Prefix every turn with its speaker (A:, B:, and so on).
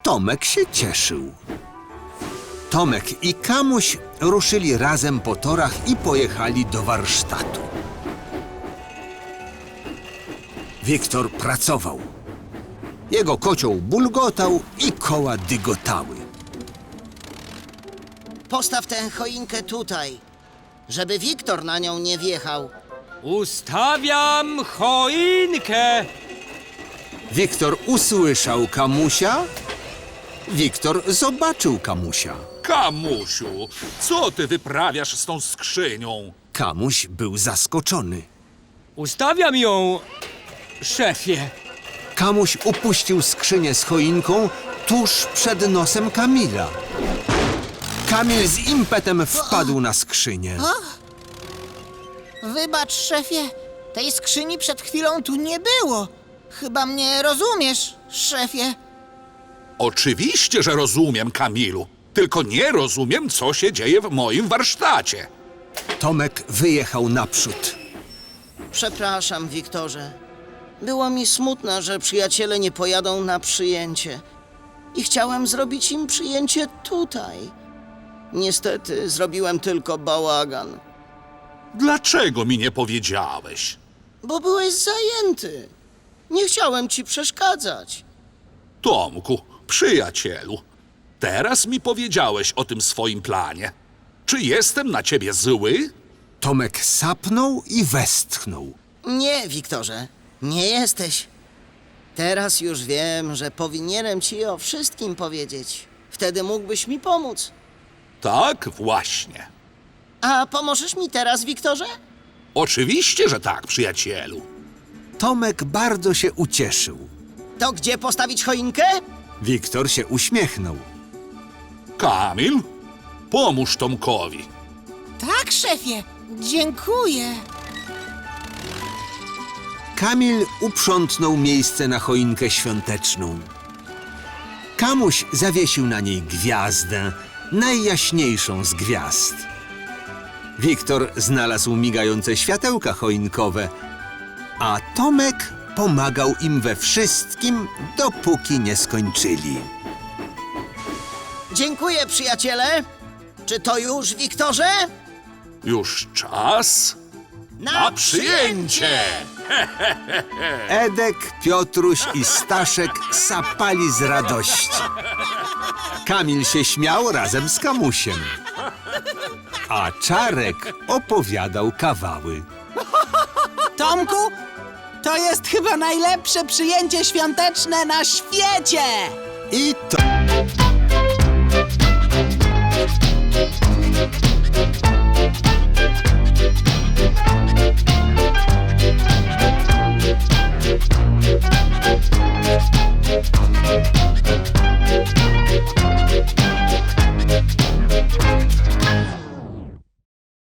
A: Tomek się cieszył. Tomek i Kamuś ruszyli razem po torach i pojechali do warsztatu. Wiktor pracował. Jego kocioł bulgotał i koła dygotały.
B: Postaw tę choinkę tutaj, żeby Wiktor na nią nie wjechał.
C: Ustawiam choinkę!
A: Wiktor usłyszał Kamusia. Wiktor zobaczył Kamusia.
D: Kamusiu, co ty wyprawiasz z tą skrzynią?
A: Kamuś był zaskoczony.
C: Ustawiam ją, szefie.
A: Kamuś upuścił skrzynię z choinką tuż przed nosem Kamila. Kamil z impetem wpadł na skrzynię.
E: Wybacz, szefie, tej skrzyni przed chwilą tu nie było. Chyba mnie rozumiesz, szefie.
D: Oczywiście, że rozumiem, Kamilu. Tylko nie rozumiem, co się dzieje w moim warsztacie.
A: Tomek wyjechał naprzód.
B: Przepraszam, Wiktorze. Było mi smutno, że przyjaciele nie pojadą na przyjęcie. I chciałem zrobić im przyjęcie tutaj. Niestety zrobiłem tylko bałagan,
D: Dlaczego mi nie powiedziałeś?
B: bo byłeś zajęty. Nie chciałem ci przeszkadzać.
D: Tomku, przyjacielu, teraz mi powiedziałeś o tym swoim planie. Czy jestem na ciebie zły?
A: Tomek sapnął i westchnął.
B: Nie, Wiktorze, nie jesteś. Teraz już wiem, że powinienem ci o wszystkim powiedzieć. Wtedy mógłbyś mi pomóc.
D: Tak, właśnie.
B: A pomożesz mi teraz, Wiktorze?
D: Oczywiście, że tak, przyjacielu.
A: Tomek bardzo się ucieszył.
B: To gdzie postawić choinkę?
A: Wiktor się uśmiechnął.
D: Kamil, pomóż Tomkowi.
E: Tak, szefie, dziękuję.
A: Kamil uprzątnął miejsce na choinkę świąteczną. Kamuś zawiesił na niej gwiazdę, najjaśniejszą z gwiazd. Wiktor znalazł migające światełka choinkowe, a Tomek pomagał im we wszystkim, dopóki nie skończyli.
B: Dziękuję, przyjaciele. Czy to już, Wiktorze?
D: Już czas na przyjęcie!
A: Edek, Piotruś i Staszek sapali z radości. Kamil się śmiał razem z Kamusiem, a Czarek opowiadał kawały.
E: Tomku, to jest chyba najlepsze przyjęcie świąteczne na świecie!
A: I to...